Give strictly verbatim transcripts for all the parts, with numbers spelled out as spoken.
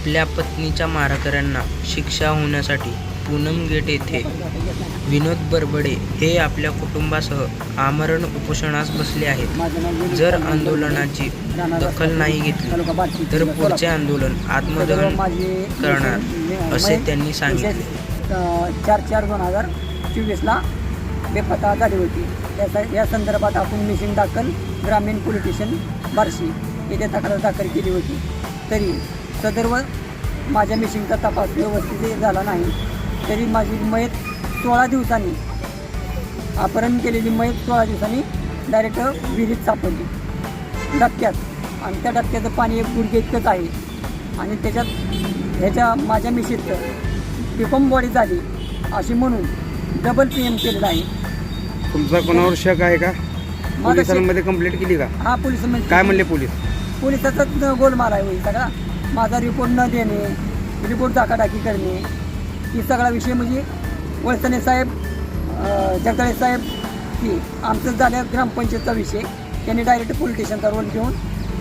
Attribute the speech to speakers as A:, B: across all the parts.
A: आपल्या पत्नीच्या मारेकऱ्यांना शिक्षा होण्यासाठी पूनम गेट येथे विनोद बरबडे हे आपल्या कुटुंबासह आमरण उपोषणास बसले आहेत. जर आंदोलनाची दखल नाही घेतली तर पुढचे आंदोलन आत्मदहन करणार असे त्यांनी सांगितले.
B: चार चार दोन हजार चोवीसला बेपत्ता झाली होती. त्या या संदर्भात आपण मिशन दाखल ग्रामीण पोलीस स्टेशन बार्शी येथे तक्रार दाखल केली होती. तरी सदर्व माझ्या मिशिंगचा तपास व्यवस्थित झाला नाही. तरी माझी मयत सोळा दिवसांनी अपहरण केलेली मयत सोळा दिवसांनी डायरेक्ट विहिरीत सापडली डबक्यात. आणि त्या डबक्याचं पाणी एक गुडघे इतकंच आहे. आणि त्याच्यात ह्याच्या माझ्या मिशीचं पिकम बॉडी झाली अशी म्हणून डबल पी एम केलेलं आहे.
C: तुमचा कोणावर शक आहे का? पोलिसांमध्ये कंप्लेंट केली का?
B: हा पोलिसांमध्ये.
C: काय म्हणले पोलीस?
B: पोलिसाचाच गोलमाल आहे होईल सगळा. माझा रिपोर्ट न देणे, रिपोर्ट दाखाडाकी करणे, ही सगळा विषय म्हणजे वळसणे साहेब, जगदाळे साहेब की आमचं झालं ग्रामपंचायतचा विषय. त्यांनी डायरेक्ट पोलीस स्टेशनचा रोल घेऊन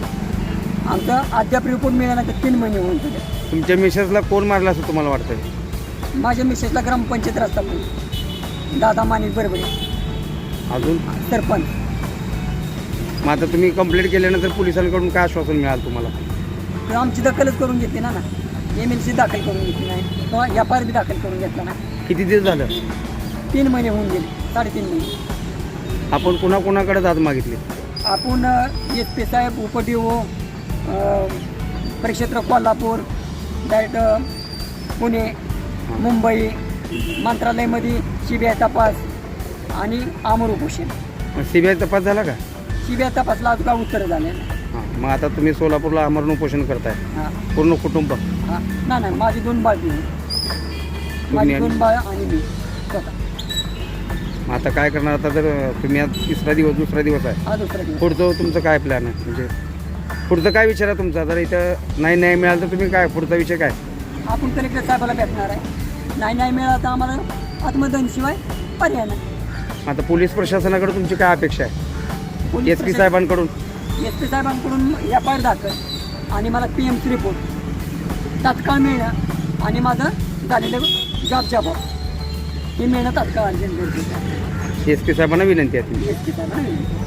B: आमचा अद्याप रिपोर्ट मिळाल्यानंतर तीन महिने होऊन गेले.
C: तुमच्या मिसेसला कोण मारला असं तुम्हाला वाटतं?
B: माझ्या मिसेसला ग्रामपंचायत रस्ता पण दादा माणिक बरबडे
C: अजून
B: सरपंच.
C: मग आता तुम्ही कंप्लेंट केल्यानंतर पोलिसांकडून काय आश्वासन मिळालं तुम्हाला?
B: तर आमची दखलच करून घेतली ना ना एम एल सी दाखल करून घेतली नाही किंवा एफ आय आर बी दाखल करून घेतला ना.
C: किती दिवस झालं?
B: तीन महिने होऊन गेले, साडेतीन महिने.
C: आपण कुणा कोणाकडे दाद मागितली?
B: आपण एस पी साहेब, उपडीओ, परिक्षेत्र कोल्हापूर, डायरेक्ट पुणे, मुंबई, मंत्रालयामध्ये सी बी आय तपास आणि आमर उपोषण.
C: सी बी आय तपास झाला का?
B: सी बी आय तपासला आज का उत्तर झाले.
C: हां, मग आता तुम्ही सोलापूरला आमरण उपोषण करताय
B: हां
C: पूर्ण कुटुंब?
B: हां नाही नाही माझी दोन बाळ बी माझी दोन बाळ आणि मी स्वतः.
C: मग आता काय करणार? आता जर तुम्ही आज तिसरा दिवस दुसरा दिवस आहे,
B: हा दुसरा दिवस.
C: पुढचं तुमचं काय प्लॅन आहे? म्हणजे पुढचं काय विचार आहे तुमचा? जर इथं नाही न्याय मिळाला तर तुम्ही काय पुढचा विषय काय?
B: आपण कलेक्टर साहेबाला भेटणार आहे. नाही नाही मिळाला तर आम्हाला आत्मदहनशिवाय पर्याय नाही.
C: आता पोलीस प्रशासनाकडे तुमची काय अपेक्षा आहे? एस पी साहेबांकडून?
B: एस पी साहेबांकडून एफ आय आर दाखल आणि मला पी एमची रिपोर्ट तात्काळ मिळणं आणि माझं झालेलं जॉब जॉब हे मिळणं तात्काळ.
C: एस पी साहेबांना विनंती आहे.
B: एस पी साहेबांना